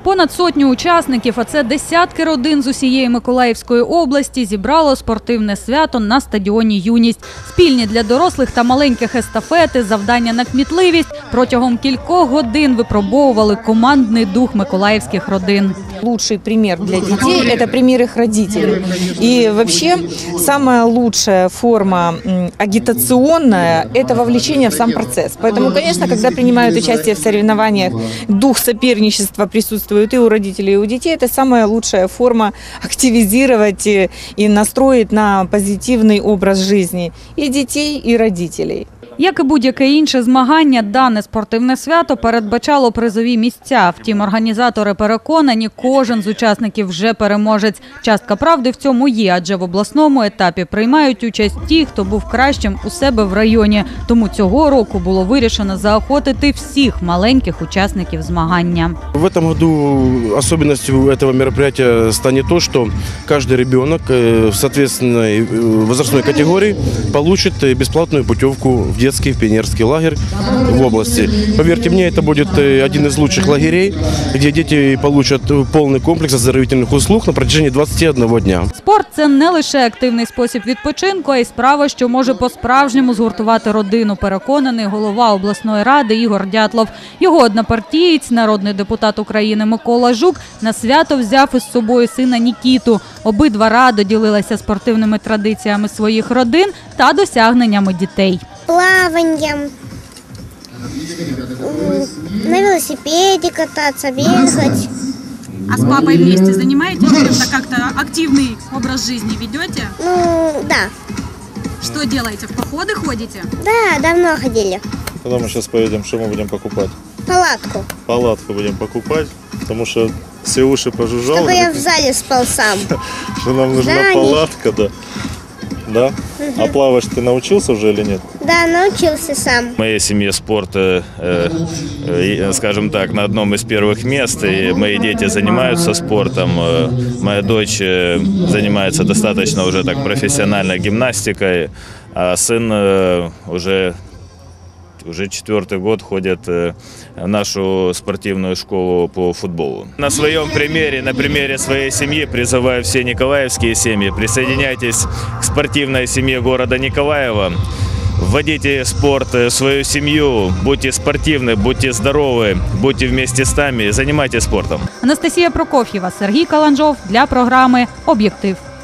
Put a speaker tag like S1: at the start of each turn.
S1: Понад сотню учасників, а це десятки родин з усієї Миколаївської області, зібрало спортивне свято на стадіоні «Юність». Спільні для дорослих та маленьких естафети, завдання на кмітливість протягом кількох годин випробовували командний дух миколаївських родин.
S2: Лучший пример для детей – это пример их родителей. И вообще самая лучшая форма агитационная – это вовлечение в сам процесс. Поэтому, конечно, когда принимают участие в соревнованиях, дух соперничества присутствует и у родителей, и у детей. Это самая лучшая форма активизировать и настроить на позитивный образ жизни и детей, и родителей.
S1: Як і будь-яке інше змагання, дане спортивне свято передбачало призові місця. Втім, організатори переконані, кожен з учасників вже переможець. Частка правди в цьому є, адже в обласному етапі приймають участь ті, хто був кращим у себе в районі. Тому цього року було вирішено заохотити всіх маленьких учасників змагання.
S3: В этом году особенностью этого мероприятия станет то, что каждый ребенок в соответственной возрастной категории получит бесплатную путевку в детский пионерский лагерь в области. Поверьте мне, это будет один из лучших лагерей, где дети получат полный комплекс оздоровительных услуг на протяжении 21 дня.
S1: Спорт – це не лише активний спосіб відпочинку, а й справа, що може по-справжньому згуртувати родину, переконаний голова обласної ради Ігор Дятлов. Його однопартієць, народний депутат України Микола Жук, на свято взяв із собою сина Нікіту. Обидва радо ділилися спортивними традиціями своїх родин та досягненнями дітей.
S4: Плаванием, на велосипеде кататься, бегать.
S1: А с папой вместе занимаетесь? Это как-то активный образ жизни ведете?
S4: Ну, да.
S1: Что делаете? В походы ходите?
S4: Да, давно ходили.
S5: Когда мы сейчас поедем, что мы будем покупать?
S4: Палатку.
S5: Палатку будем покупать, потому что все уши пожужжало.
S4: Чтобы я в зале спал сам.
S5: Что нам нужна палатка, да. Да? А плавать ты научился уже или нет?
S4: Да, научился сам.
S6: В моей семье спорт, скажем так, на одном из первых мест. И мои дети занимаются спортом. Моя дочь занимается достаточно уже так профессиональной гимнастикой, а сын уже 4-й год ходит в нашу спортивную школу по футболу. На своем примере, на примере своей семьи призываю все николаевские семьи. Присоединяйтесь к спортивной семье города Николаева. Вводите спорт в свою семью, будьте спортивны, будьте здоровы, будьте вместе с нами, занимайтесь спортом.
S1: Анастасія Прокоф'єва, Сергій Каланжов для програми «Об'єктив».